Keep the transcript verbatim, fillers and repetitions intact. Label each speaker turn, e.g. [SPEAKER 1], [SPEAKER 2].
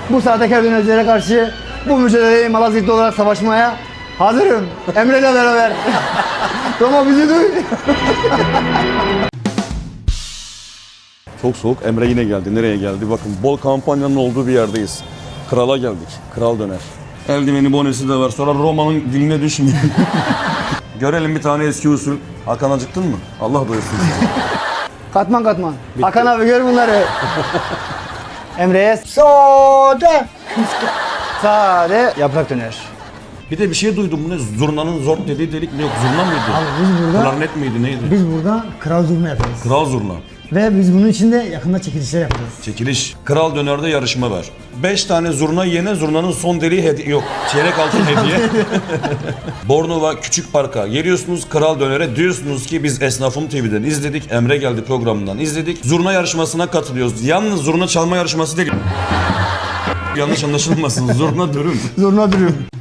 [SPEAKER 1] Bu sahtekar dönercilere karşı bu mücadeleyi Malazgirtli olarak savaşmaya hazırım. Emre ile beraber. Roma bizi duy.
[SPEAKER 2] Çok soğuk. Emre yine geldi. Nereye geldi? Bakın bol kampanyanın olduğu bir yerdeyiz. Krala geldik. Kral döner. Eldiveni, bonesi de var. Sonra Roma'nın diline düşmeyin. Görelim bir tane eski usul. Hakan acıktın mı? Allah doyursun sizi.
[SPEAKER 1] Katman katman. Hakan abi gör bunları. Emre'ye sade. Sade yaprak döner.
[SPEAKER 2] Bir de bir şey duydum. Bu ne? Zurnanın zor dediği delik ne yok? Zurna mıydı?
[SPEAKER 1] Abi biz burada,
[SPEAKER 2] Klarnet miydi? Neydi?
[SPEAKER 1] biz burada kral zurna yapıyoruz.
[SPEAKER 2] Kral zurna.
[SPEAKER 1] Ve biz bunun için de yakında çekilişler yapıyoruz.
[SPEAKER 2] Çekiliş. Kral dönerde yarışma var. Beş tane zurna yene zurnanın son deliği hediye. Yok. Çeyrek altın hediye. Bornova Küçük Park'a geliyorsunuz, Kral Döner'e diyorsunuz ki biz Esnafım T V'den izledik. Emre geldi programından izledik. Zurna yarışmasına katılıyoruz. Yalnız zurna çalma yarışması değil. Yanlış anlaşılmasın. Zurna dürüm.
[SPEAKER 1] Zurna dürüm.